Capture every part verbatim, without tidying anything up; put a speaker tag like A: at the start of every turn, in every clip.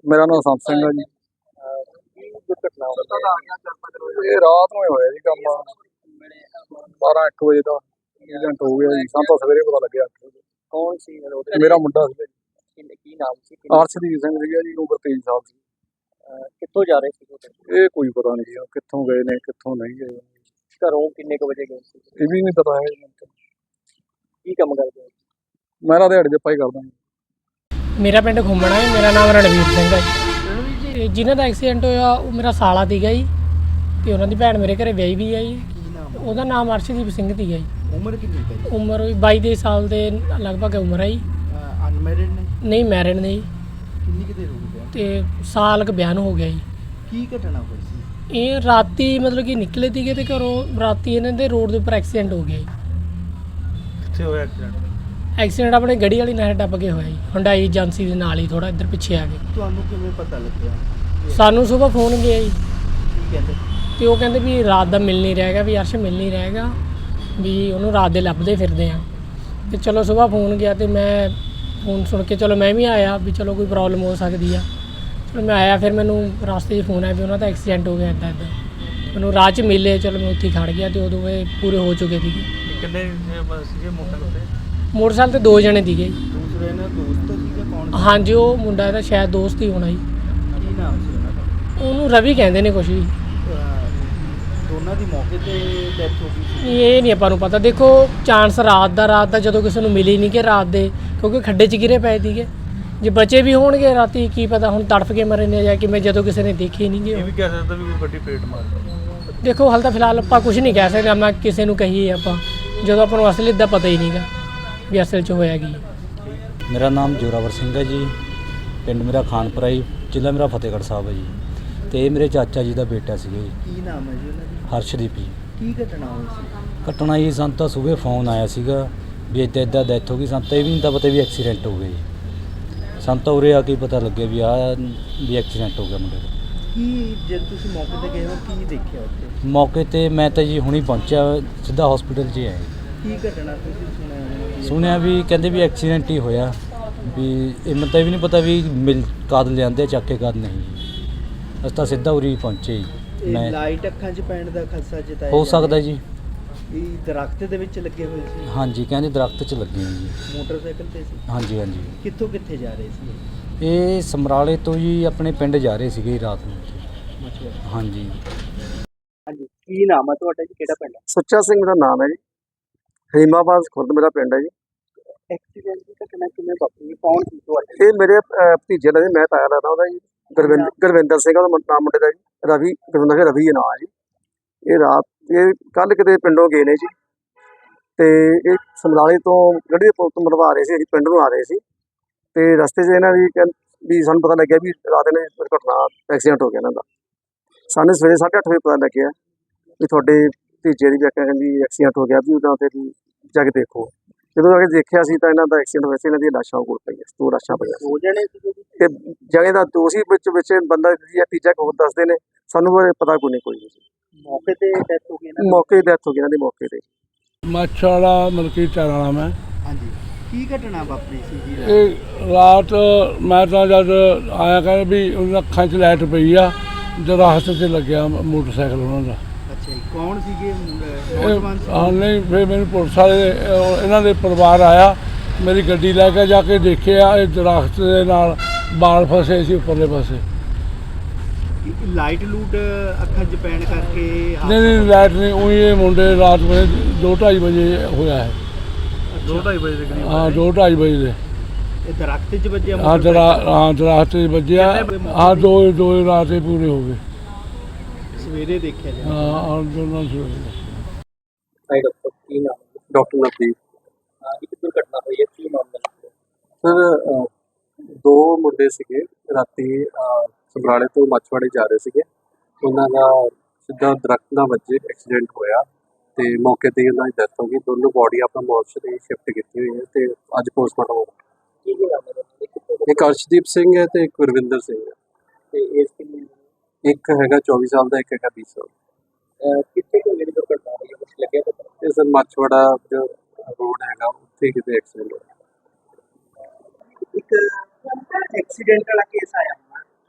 A: ਮੇਰਾ ਨਾਮ ਸੰਤ ਸਿੰਘ ਹੈ ਜੀ।
B: ਕੀ ਦੁਰਘਟਨਾ ਹੋਈ?
A: ਇਹ ਰਾਤ ਨੂੰ ਹੀ ਹੋਇਆ ਜੀ ਕੰਮ, ਬਾਰਾਂ ਇੱਕ ਵਜੇ ਦਾ ਐਕਸੀਡੈਂਟ ਹੋ ਗਿਆ ਜੀ। ਸਾਨੂੰ ਤਾਂ ਸਵੇਰੇ ਪਤਾ ਲੱਗਿਆ।
B: ਕੌਣ ਸੀ ਉਹਦੇ?
A: ਮੇਰਾ ਮੁੰਡਾ ਸੀ ਜੀ,
B: ਕੀ ਨਾਮ ਸੀ? ਕਿੰਨੇ-
A: ਅਰਸ਼ਦੀਪ ਸਿੰਘ ਸੀਗਾ ਜੀ, ਉਮਰ ਤੇਈ ਸਾਲ ਸੀ।
B: ਅਹ ਕਿੱਥੋਂ ਜਾ ਰਹੇ ਸੀ ਉਹ?
A: ਇਹ ਕੋਈ ਪਤਾ ਨਹੀਂ ਜੀ ਕਿੱਥੋਂ ਗਏ ਨੇ ਕਿੱਥੋਂ ਨਹੀਂ ਗਏ,
B: ਘਰੋਂ ਕਿੰਨੇ ਕੁ ਵਜੇ ਗਏ ਸੀ?
A: ਇਹ ਵੀ ਨਹੀਂ ਪਤਾ ਹੈ ਜੀ।
B: ਕੀ ਕੰਮ ਕਰਦੇ ਹੋ?
A: ਮੈਂ ਤਾਂ ਦਿਹਾੜੀ ਦੇ ਪਾਈ ਕਰਦਾ ਜੀ।
C: ਮੇਰਾ ਪਿੰਡ ਘੁੰਮਣਾ ਹੈ। ਮੇਰਾ ਨਾਮ ਰਣਵੀਰ ਸਿੰਘ ਹੈ ਜੀ। ਤੇ ਜਿਨ੍ਹਾਂ ਦਾ ਐਕਸੀਡੈਂਟ ਹੋਇਆ ਉਹ ਮੇਰਾ ਸਾਲਾ ਸੀਗਾ ਜੀ, ਤੇ ਉਹਨਾਂ ਦੀ ਭੈਣ ਮੇਰੇ ਘਰੇ ਵਿਆਹੀ ਵੀ ਹੈ ਜੀ। ਉਹਦਾ ਨਾਮ ਅਰਸ਼ਦੀਪ ਸਿੰਘ ਸੀਗਾ ਜੀ।
B: ਉਮਰ ਕਿੰਨੀ ਹੈ?
C: ਉਮਰ ਵੀ ਬਾਈ ਦੇ ਸਾਲ ਦੇ ਲਗਭਗ ਉਮਰ ਹੈ ਜੀ।
B: ਅਨਮੈਰਿਡ ਨੇ?
C: ਨਹੀਂ ਮੈਰਿਡ ਨੇ ਜੀ।
B: ਕਿੰਨੀ ਕਿਤੇ ਰੁਕ ਗਿਆ?
C: ਤੇ ਸਾਲ ਕੁ ਬਿਆਨ ਹੋ ਗਿਆ ਜੀ।
B: ਕੀ ਘਟਨਾ ਹੋਈ ਸੀ?
C: ਇਹ ਰਾਤੀ ਮਤਲਬ ਕਿ ਨਿਕਲੇ ਸੀਗੇ ਤੇ ਘਰੋਂ ਰਾਤੀ ਇਹਨਾਂ ਦੇ ਰੋਡ ਦੇ ਉੱਪਰ ਐਕਸੀਡੈਂਟ ਹੋ ਗਿਆ ਜੀ।
B: ਕਿੱਥੇ ਹੋਇਆ ਐਕਸੀਡੈਂਟ?
C: ਐਕਸੀਡੈਂਟ ਆਪਣੇ ਗੜੀ ਵਾਲੀ ਨਾਲ ਟੱਪ ਕੇ ਹੋਇਆ ਜੀ, ਹੁੰਡਾਈ ਏਜੰਸੀ ਦੇ ਨਾਲ ਹੀ ਥੋੜਾ ਇੱਧਰ ਪਿੱਛੇ ਆ ਗਏ।
B: ਤੁਹਾਨੂੰ ਕਿਵੇਂ ਪਤਾ ਲੱਗਿਆ?
C: ਸਾਨੂੰ ਸਵੇਰ ਫੋਨ ਗਿਆ ਜੀ,
B: ਕੀ ਕਹਿੰਦੇ?
C: ਤੇ ਉਹ ਕਹਿੰਦੇ ਵੀ ਰਾਤ ਦਾ ਮਿਲ ਨਹੀਂ ਰਹੇਗਾ, ਵੀ ਅਰਸ਼ ਮਿਲ ਨਹੀਂ ਰਹੇਗਾ, ਵੀ ਉਹਨੂੰ ਰਾਤ ਦੇ ਲੱਭਦੇ ਫਿਰਦੇ ਆ। ਤੇ ਚਲੋ ਸਵੇਰ ਫੋਨ ਗਿਆ ਤੇ ਮੈਂ ਫੋਨ ਸੁਣ ਕੇ ਚਲੋ ਮੈਂ ਵੀ ਆਇਆ ਵੀ ਚਲੋ ਕੋਈ ਪ੍ਰੋਬਲਮ ਹੋ ਸਕਦੀ ਆ। ਚਲੋ ਮੈਂ ਆਇਆ, ਫਿਰ ਮੈਨੂੰ ਰਸਤੇ 'ਚ ਫੋਨ ਆਇਆ ਵੀ ਉਹਨਾਂ ਦਾ ਐਕਸੀਡੈਂਟ ਹੋ ਗਿਆ ਇੱਦਾਂ ਇੱਦਾਂ। ਮੈਨੂੰ ਰਾਹ 'ਚ ਮਿਲੇ, ਚਲੋ ਮੈਂ ਉੱਥੇ ਖੜ ਗਿਆ ਤੇ ਉਦੋਂ ਇਹ ਪੂਰੇ ਹੋ ਚੁੱਕੇ ਸੀਗੇ।
B: ਕਿੰਨੇ ਸੀਗੇ ਮੋਟਰਸਾਈਕਲ ਤੇ?
C: ਮੋਟਰਸਾਈਕਲ ਤੇ ਦੋ ਜਣੇ ਸੀਗੇ।
B: ਦੂਸਰੇ ਨੇ ਦੋਸਤ ਸੀਗਾ? ਕੌਣ?
C: ਹਾਂਜੀ, ਉਹ ਮੁੰਡਾ ਇਹਦਾ ਸ਼ਾਇਦ ਦੋਸਤ ਹੀ ਹੋਣਾ ਜੀ।
B: ਕੀ ਨਾਮ ਸੀ ਉਹਨਾਂ ਦਾ?
C: ਉਹਨੂੰ ਰਵੀ ਕਹਿੰਦੇ ਨੇ ਕੁਛ ਵੀ।
B: ਦੋਨਾਂ ਦੀ ਮੌਕੇ ਤੇ ਡੈਥ ਹੋ ਗਈ ਸੀ?
C: ਇਹ ਨਹੀਂ ਆਪਾਂ ਨੂੰ ਪਤਾ। ਦੇਖੋ ਚਾਂਸ ਰਾਤ ਦਾ ਰਾਤ ਦਾ ਜਦੋਂ ਕਿਸੇ ਨੂੰ ਮਿਲੀ ਨਹੀਂ ਕਿ ਰਾਤ ਦੇ, ਕਿਉਂਕਿ ਖੱਡੇ 'ਚ ਗਿਰੇ ਪਏ ਸੀਗੇ। ਜੇ ਬਚੇ ਵੀ ਹੋਣਗੇ ਰਾਤੀ ਕੀ ਪਤਾ ਹੁਣ ਤੜਫ ਕੇ ਮਰੇ ਨੇ ਜਾਂ ਕਿਵੇਂ, ਜਦੋਂ ਕਿਸੇ ਨੇ ਦੇਖੇ ਨਹੀਂ ਗੇ।
B: ਇਹ ਵੀ ਕਹਿ ਸਕਦਾ ਵੀ ਕੋਈ ਗੱਡੀ ਪੇਟ ਮਾਰ ਗਈ।
C: ਦੇਖੋ ਹਾਲ ਤਾਂ ਫਿਲਹਾਲ ਆਪਾਂ ਕੁਝ ਨਹੀਂ ਕਹਿ ਸਕਦੇ, ਮੈਂ ਕਿਸੇ ਨੂੰ ਕਹੀਏ ਆਪਾਂ ਜਦੋਂ ਆਪਾਂ ਨੂੰ ਅਸਲੀ ਦਾ ਪਤਾ ਹੀ ਨਹੀਂਗਾ ਵੀ ਅਸਲ 'ਚ ਹੋਇਆ ਕੀ।
D: ਮੇਰਾ ਨਾਮ ਜੋਰਾਵਰ ਸਿੰਘ ਹੈ ਜੀ। ਪਿੰਡ ਮੇਰਾ ਖਾਨਪੁਰਾ ਜੀ, ਜ਼ਿਲ੍ਹਾ ਮੇਰਾ ਫਤਿਹਗੜ੍ਹ ਸਾਹਿਬ ਹੈ ਜੀ। ਤੇ ਇਹ ਮੇਰੇ ਚਾਚਾ ਜੀ ਦਾ ਬੇਟਾ ਸੀਗਾ ਜੀ।
B: ਕੀ ਨਾਮ ਹੈ ਜੀ ਉਹਨਾਂ ਦੀ?
D: ਹਰਸ਼ਦੀਪ ਜੀ।
B: ਕੀ ਘਟਨਾ ਹੋਈ ਸੀ?
D: ਘਟਨਾ ਜੀ ਸਾਨੂੰ ਤਾਂ ਸਵੇਰੇ ਫੋਨ ਆਇਆ ਸੀਗਾ ਵੀ ਇੱਦਾਂ ਇੱਦਾਂ ਡੈਥ ਹੋ ਗਈ। ਸਾਨੂੰ ਤਾਂ ਇਹ ਵੀ ਨਹੀਂ ਤਾਂ ਪਤਾ ਵੀ ਐਕਸੀਡੈਂਟ ਹੋ ਗਿਆ ਜੀ। ਸਾਨੂੰ ਤਾਂ ਉਰੇ ਆ ਕੇ ਪਤਾ ਲੱਗਿਆ ਵੀ ਆਹ ਵੀ ਐਕਸੀਡੈਂਟ ਹੋ ਗਿਆ ਮੁੰਡੇ ਦਾ।
B: ਕੀ ਜਦ ਤੁਸੀਂ ਮੌਕੇ ਤੇ ਗਏ ਹੋ ਕੀ ਦੇਖਿਆ ਉੱਥੇ?
D: ਮੌਕੇ 'ਤੇ ਮੈਂ ਤਾਂ ਜੀ ਹੁਣੀ ਪਹੁੰਚਿਆ, ਸਿੱਧਾ ਹਸਪੀਟਲ 'ਚ ਹੀ ਆਇਆ।
B: ਕੀ ਘਟਨਾ ਤੁਸੀਂ ਸੁਣਿਆ?
D: ਸੁਣਿਆ ਵੀ ਕਹਿੰਦੇ ਵੀ ਐਕਸੀਡੈਂਟ ਹੀ ਹੋਇਆ, ਵੀ ਇਹ ਮੈਨੂੰ ਤਾਂ ਇਹ ਵੀ ਨਹੀਂ ਪਤਾ ਵੀ ਮਿਲ ਕਦ ਲਿਆਂਦੇ ਚੱਕ ਕੇ ਕਦ ਨਹੀਂ ਜੀ। ਅਸੀਂ ਤਾਂ ਸਿੱਧਾ ਉਰੀ ਪਹੁੰਚੇ ਜੀ।
B: ਇਹ
D: ਮੈਂ
B: ਲਾਈਟ ਅੱਖਾਂ 'ਚ ਪੈਣ ਦਾ ਖਦਸ਼ਾ ਜਤਾਇਆ
D: ਹੋ
B: ਜਾ
D: ਸਕਦਾ
B: ਰਿਹਾ।
D: ਜੀ।
B: ਇਹ ਦਰਖਤ ਦੇ ਵਿੱਚ ਲੱਗੇ ਹੋਏ ਸੀ?
D: ਹਾਂਜੀ, ਕਹਿੰਦੇ ਦਰਖਤ 'ਚ ਲੱਗੇ ਹੋਏ ਜੀ।
B: ਮੋਟਰਸਾਈਕਲ ਤੇ ਸੀ?
D: ਹਾਂਜੀ ਹਾਂਜੀ।
B: ਕਿੱਥੋਂ ਕਿੱਥੇ ਜਾ ਰਹੇ ਸੀ?
D: ਇਹ ਸਮਰਾਲੇ ਤੋਂ ਜੀ ਆਪਣੇ ਪਿੰਡ ਜਾ ਰਹੇ ਸੀਗੇ ਰਾਤ ਨੂੰ।
B: ਅੱਛਾ।
D: ਹਾਂਜੀ।
B: ਹਾਂਜੀ, ਕੀ ਨਾਮ ਹੈ ਤੁਹਾਡਾ ਜੀ? ਕਿਹੜਾ ਪਿੰਡ ਹੈ?
A: ਸੁੱਚਾ ਸਿੰਘ ਦਾ ਨਾਮ ਹੈ ਜੀ। ਹਰੀਮਾਬਾਦ ਖੁਰਦ ਮੇਰਾ ਪਿੰਡ ਹੈ ਜੀ।
B: ਐਕਸੀਡੈਂਟ ਦੀ ਘਟਨਾ ਕਿਵੇਂ ਵਾਪਰੀ? ਕੌਣ ਸੀ ਤੁਹਾਡੇ?
A: ਇਹ ਮੇਰੇ ਅਹ, ਭਤੀਜੇ ਦਾ ਜੀ, ਮੈਂ ਤਾਇਆ ਲੱਗਦਾ ਉਹਦਾ ਜੀ। ਗੁਰਵਿੰਦਰ ਗੁਰਵਿੰਦਰ ਸਿੰਘ ਉਹਦਾ ਮੁੰ- ਨਾਮ ਮੁੰਡੇ ਦਾ ਜੀ। ਰਵੀ ਗੁਰਵਿੰਦਰ ਸਿੰਘ ਰਵੀ ਇਹ ਨਾਂ ਹੈ ਜੀ। ਇਹ ਰਾਤ ਇਹ ਕੱਲ ਕਿਤੇ ਪਿੰਡੋਂ ਗਏ ਨੇ ਜੀ, ਤੇ ਇਹ ਸਮਰਾਲੇ ਤੋਂ ਗੱਡੀ ਦੇ ਪੁਲ ਤੋਂ ਮਰਵਾ ਰਹੇ ਸੀ, ਅਸੀਂ ਪਿੰਡ ਨੂੰ ਆ ਰਹੇ ਸੀ। ਤੇ ਰਸਤੇ 'ਚ ਇਹਨਾਂ ਦੀ ਕਹਿੰ- ਵੀ ਸਾਨੂੰ ਪਤਾ ਲੱਗਿਆ ਵੀ ਰਾਤ ਨੇ ਦੁਰਘਟਨਾ ਐਕਸੀਡੈਂਟ ਹੋ ਗਿਆ ਇਹਨਾਂ ਦਾ। ਸਾਨੂੰ ਸਵੇਰੇ ਸਾਢੇ ਅੱਠ ਵਜੇ ਪਤਾ ਲੱਗਿਆ ਵੀ ਤੁਹਾਡੇ ਭਤੀਜੇ ਦੀ ਵਿਆਖਿਆ ਕਹਿੰਦੀ ਐਕਸੀਡੈਂਟ ਹੋ ਗਿਆ, ਵੀ ਉਹਨਾਂ 'ਤੇ ਵੀ ਜਾ ਕੇ ਦੇਖੋ। ਜਦੋਂ ਆ ਕੇ ਦੇਖਿਆ ਸੀ ਤਾਂ ਇਹਨਾਂ ਦਾ ਐਕਸੀਡੈਂਟ ਹੋਇਆ ਸੀ। ਇਹਨਾਂ ਦੀਆਂ ਲਾਸ਼ਾਂ ਕੋਲ ਪਈਆਂ, ਦੋ ਲਾਸ਼ਾਂ ਪਈਆਂ ਸੀ।
B: ਦੋ ਜਣੇ ਸੀਗੇ ਜੀ?
A: ਤੇ ਜਣੇ ਦਾ ਦੋ ਸੀ, ਵਿੱਚ ਵਿੱਚ ਬੰਦਾ ਜੀ ਤੀਜਾ ਹੋਰ ਦੱਸਦੇ ਨੇ, ਸਾਨੂੰ ਬਾਰੇ ਪਤਾ ਕੋਈ ਨਹੀਂ ਕੋਈ ਨਹੀਂ।
B: ਮੌਕੇ ਤੇ ਡੈਥ ਹੋ ਗਈ ਨਾ?
A: ਮੌਕੇ ਦੀ ਡੈਥ ਹੋ ਗਈ ਇਹਨਾਂ ਦੀ ਮੌਕੇ ਤੇ।
E: ਮੱਛ ਵਾਲਾ ਮਲਕੀ ਟਾਇਰ ਵਾਲਾ ਮੈਂ।
B: ਹਾਂਜੀ, ਕੀ ਘਟਨਾ ਵਾਪਰੀ ਸੀ ਜੀ?
E: ਇਹ ਰਾਤ ਮੈਂ ਤਾਂ ਜਦ ਆਇਆ ਕਹਿੰਦੇ ਵੀ ਉਹਨਾਂ ਅੱਖਾਂ 'ਚ ਲਾਈਟ ਪਈ ਆ, ਦਰਖਤ 'ਤੇ ਲੱਗਿਆ ਮੋਟਰਸਾਈਕਲ ਉਹਨਾਂ ਦਾ।
B: ਅੱਛਾ ਜੀ, ਕੌਣ ਸੀਗੇ?
E: ਇਹ
B: ਨੌਜਵਾਨ ਸੀ?
E: ਹਾਂ ਨਹੀਂ, ਫਿਰ ਮੈਨੂੰ ਪੁਲਿਸ ਵਾਲੇ ਉਹ ਇਹਨਾਂ ਦੇ ਪਰਿਵਾਰ ਆਇਆ, ਮੇਰੀ ਗੱਡੀ ਲੈ ਕੇ ਜਾ ਕੇ ਦੇਖਿਆ ਇਹ ਦਰਖਤ ਦੇ ਨਾਲ ਬਾਲ ਫਸੇ ਸੀ ਉੱਪਰਲੇ ਪਾਸੇ।
B: ਲਾਈਟ ਲੂਟ ਅੱਖਾਂ 'ਚ ਪੈਣ ਕਰਕੇ?
E: ਨਹੀਂ ਨਹੀਂ ਲਾਈਟ ਨਹੀਂ, ਉਹੀ ਇਹ ਮੁੰਡੇ ਰਾਤ ਵੇਲੇ ਦੋ ਢਾਈ ਵਜੇ ਹੋਇਆ ਹੈ।
B: ਦੋ ਢਾਈ ਵਜੇ ਦੇ ਕਰੀਬ?
E: ਹਾਂ, ਦੋ ਢਾਈ ਵਜੇ ਦੇ।
B: ਇਹ ਦਰਖਤ 'ਚ ਵੱਜਿਆ?
E: ਹਾਂ ਦਰਾ ਹਾਂ ਦਰਖਤ 'ਚ ਵੱਜਿਆ। ਹਾਂ ਦੋ ਦੋ ਰਾਤ ਹੀ ਪੂਰੇ ਹੋ ਗਏ।
B: ਸਵੇਰੇ ਦੇਖਿਆ ਜੀ?
E: ਹਾਂ ਹਾਂ ਦੋਨਾਂ ਸਵੇਰੇ।
B: ਹਾਈ ਡਾਕਟਰ, ਕੀ ਨਾਮ ਹੈ?
A: ਡਾਕਟਰ ਨਵਦੀਪ।
B: ਹਾਂ, ਇੱਕ ਦੁਰਘਟਨਾ ਹੋਈ ਹੈ, ਕੀ ਮਾਮਲਾ ਹੈ?
A: ਸਰ, ਦੋ ਮੁੰਡੇ ਸੀਗੇ ਰਾਤੀ ਅਹ, ਸਮਰਾਲੇ ਤੋਂ ਮੱਛਵਾੜੇ ਜਾ ਰਹੇ ਸੀਗੇ। ਉਹਨਾਂ ਦਾ ਸਿੱਧਾ ਦਰਖਤ ਨਾਲ ਵੱਜੇ ਐਕਸੀਡੈਂਟ ਹੋਇਆ ਤੇ ਮੌਕੇ ਤੇ ਹੀ ਉਹਨਾਂ ਦੀ ਡੈਥ ਹੋ ਗਈ। ਦੋਨੋਂ ਬੋਡੀ ਆਪਣਾ ਮੋਰਚਰੀ ਸ਼ਿਫਟ ਕੀਤੀ ਹੋਈ ਹੈ ਤੇ ਅੱਜ ਪੋਸਟਮਾਰਟਮ ਹੋਊਗਾ।
B: ਕੀ ਕੀ ਨਾਮ ਹੈ? ਕਿੱਥੋਂ ਦੇ?
A: ਇੱਕ ਅਰਸ਼ਦੀਪ ਸਿੰਘ ਹੈ ਤੇ ਇੱਕ ਗੁਰਵਿੰਦਰ ਸਿੰਘ ਹੈ।
B: ਤੇ ਏਜ ਕਿੰਨੀ ਹੈ?
A: ਇੱਕ ਹੈਗਾ ਚੌਵੀ ਸਾਲ ਦਾ, ਇੱਕ ਹੈਗਾ ਵੀਹ ਸਾਲ।
B: ਅਹ ਕਿੱਥੇ ਤੋਂ ਜਿਹੜੀ ਦੁਰਘਟਨਾ ਹੋਈ ਹੈ, ਕੁਛ ਲੱਗਿਆ ਪਤਾ?
A: ਇਹ ਸਰ ਮੱਛਵਾੜਾ ਜੋ ਰੋਡ ਹੈਗਾ ਉੱਥੇ ਕਿਤੇ ਐਕਸੀਡੈਂਟ ਹੋਇਆ।
B: ਇੱਕ ਐਕਸੀਡੈਂਟ ਵਾਲਾ ਕੇਸ ਆਇਆ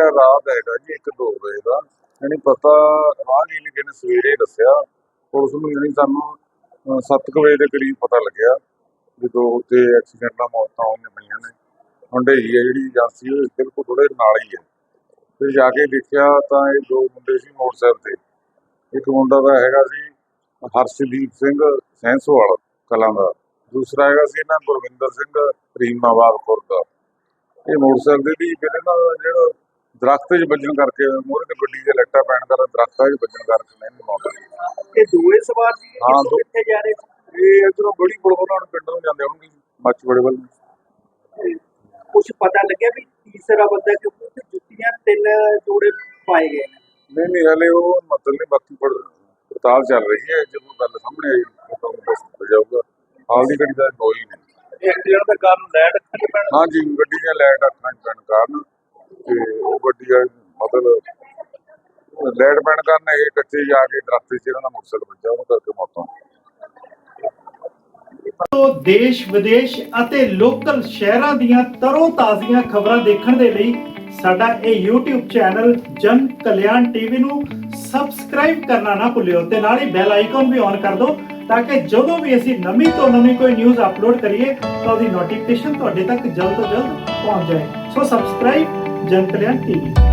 F: ਰਾਤ ਹੈਗਾ ਜੀ ਇੱਕ ਦੋ ਵਜੇ ਦਾ, ਯਾਨੀ ਪਤਾ ਰਾਹਗੀਰ ਨੇ ਕਿਨੇ ਸਵੇਰੇ ਦੱਸਿਆ ਪੁਲਿਸ ਨੂੰ, ਯਾਨੀ ਸਾਨੂੰ ਸੱਤ ਕੁ ਵਜੇ ਦੇ ਕਰੀਬ ਪਤਾ ਲੱਗਿਆ ਵੀ ਦੋ ਤੇ ਐਕਸੀਡੈਂਟ ਨਾਲ ਮੌਤਾਂ ਹੋਈਆਂ ਪਈਆਂ ਨੇ। ਹੁੰਡਈ ਹੈ ਜਿਹੜੀ ਏਜੰਸੀ ਉਹ ਬਿਲਕੁਲ ਥੋੜੇ ਨਾਲ ਹੀ ਹੈ। ਫਿਰ ਜਾ ਕੇ ਦੇਖਿਆ ਤਾਂ ਇਹ ਦੋ ਮੁੰਡੇ ਸੀ ਮੋਟਰਸਾਈਕਲ ਤੇ, ਇੱਕ ਮੁੰਡਾ ਦਾ ਹੈਗਾ ਸੀ ਹਰਸ਼ਦੀਪ ਸਿੰਘ ਸੈਂਸੋਵਾਲ ਕਲਾਂ ਦਾ, ਦੂਸਰਾ ਹੈਗਾ ਸੀ ਇਹਨਾਂ ਗੁਰਵਿੰਦਰ ਸਿੰਘ ਰੀਮਾਬਾਦ ਖੁਰਦ ਦਾ। ਇਹ ਮੋਟਰਸਾਈਕਲ ਦੀ ਕਿਤੇ ਨਾ ਜਿਹੜਾ ਦਰਖਤ 'ਚ ਵੱਜਣ ਕਰਕੇ ਮੂਹਰੇ ਤੇ ਗੱਡੀ ਦੇ ਲਾਈਟਾਂ ਪੈਣ ਕਾਰਨ ਦਰਖਤਾਂ 'ਚ ਵੱਜਣ ਕਰਕੇ ਨਹੀਂ ਮੌਤ ਹੋਈ।
B: ਇਹ ਦੋਵੇਂ ਸਵਾਰ ਸੀ
F: ਹਾਂ, ਦੋ-
B: ਕਿੱਥੇ ਜਾ ਰਹੇ ਸੀ?
F: ਇਹ ਇੱਧਰੋਂ ਗੜੀ ਪੁਲ ਉਹਨਾਂ ਨੂੰ ਪਿੰਡ ਨੂੰ ਜਾਂਦੇ ਹੋਣਗੇ ਮੱਛਵਾੜੇ ਵੱਲ ਨੂੰ।
B: ਕੁਝ ਪਤਾ ਲੱਗਿਆ ਵੀ ਤੀਸਰਾ ਬੰਦਾ ਕਿਉਂਕਿ ਉੱਥੇ ਜੁੱਤੀਆਂ ਤਿੰਨ ਜੋੜੇ ਪਾਏ ਗਏ ਨੇ।
F: ਨਹੀਂ ਨਹੀਂ ਹਲੇ ਉਹ ਮਤਲਬ ਨਹੀਂ, ਬਾਕੀ ਪੜ ਪੜਤਾਲ ਚੱਲ ਰਹੀ ਹੈ। ਜੇ ਕੋਈ ਗੱਲ ਸਾਹਮਣੇ ਆਈ ਤਾਂ ਤੁਹਾਨੂੰ ਦੱਸ ਦਿੱਤਾ ਜਾਊਗਾ। ਹਾਲ ਦੀ ਘੜੀ ਦਾ ਕੋਈ ਨਹੀਂ।
B: ਇਹ ਐਕਸੀਡੈਂਟ ਦਾ ਕਾਰਨ ਲਾਈਟ ਅੱਖਾਂ 'ਚ ਪੈਣ
F: ਹਾਂਜੀ, ਗੱਡੀ ਦੀਆਂ ਲਾਈਟ ਅੱਖਾਂ 'ਚ ਪੈਣ ਕਾਰਨ ਤੇ ਉਹ ਗੱਡੀ ਆ ਮਤਲਬ ਲਾਈਟ ਪੈਣ ਕਾਰਨ ਇਹ ਕੱਚੇ ਜਾ ਕੇ ਦਰਖਤ 'ਚ ਇਹਨਾਂ ਦਾ ਮੋਟਰਸਾਈਕਲ ਵੱਜਾ, ਉਹਨੂੰ ਕਰਕੇ ਮੌਤ ਹੋ ਗਈ।
G: ਤੋਂ ਦੇਸ਼ ਵਿਦੇਸ਼ ਅਤੇ ਲੋਕਲ ਸ਼ਹਿਰਾਂ ਦੀਆਂ ਤਰੋ ਤਾਜ਼ੀਆਂ ਖਬਰਾਂ ਦੇਖਣ ਦੇ ਲਈ ਸਾਡਾ ਇਹ YouTube ਚੈਨਲ ਜਨ ਕਲਿਆਣ ਟੀਵੀ ਨੂੰ ਸਬਸਕ੍ਰਾਈਬ ਕਰਨਾ ਨਾ ਭੁੱਲਿਓ ਤੇ ਨਾਲ ਹੀ ਬੈਲ ਆਈਕਨ ਵੀ ਔਨ ਕਰ ਦਿਓ ਤਾਂ ਕਿ ਜਦੋਂ ਵੀ ਅਸੀਂ ਨਵੀਂ ਤੋਂ ਨਵੀਂ ਕੋਈ ਨਿਊਜ਼ ਅਪਲੋਡ ਕਰੀਏ ਤਾਂ ਉਹਦੀ ਨੋਟੀਫਿਕੇਸ਼ਨ ਤੁਹਾਡੇ ਤੱਕ ਜਲਦ ਤੋਂ ਜਲਦ ਪਹੁੰਚ ਜਾਏ। ਸੋ ਸਬਸਕ੍ਰਾਈਬ ਜਨ ਕਲਿਆਣ ਟੀਵੀ।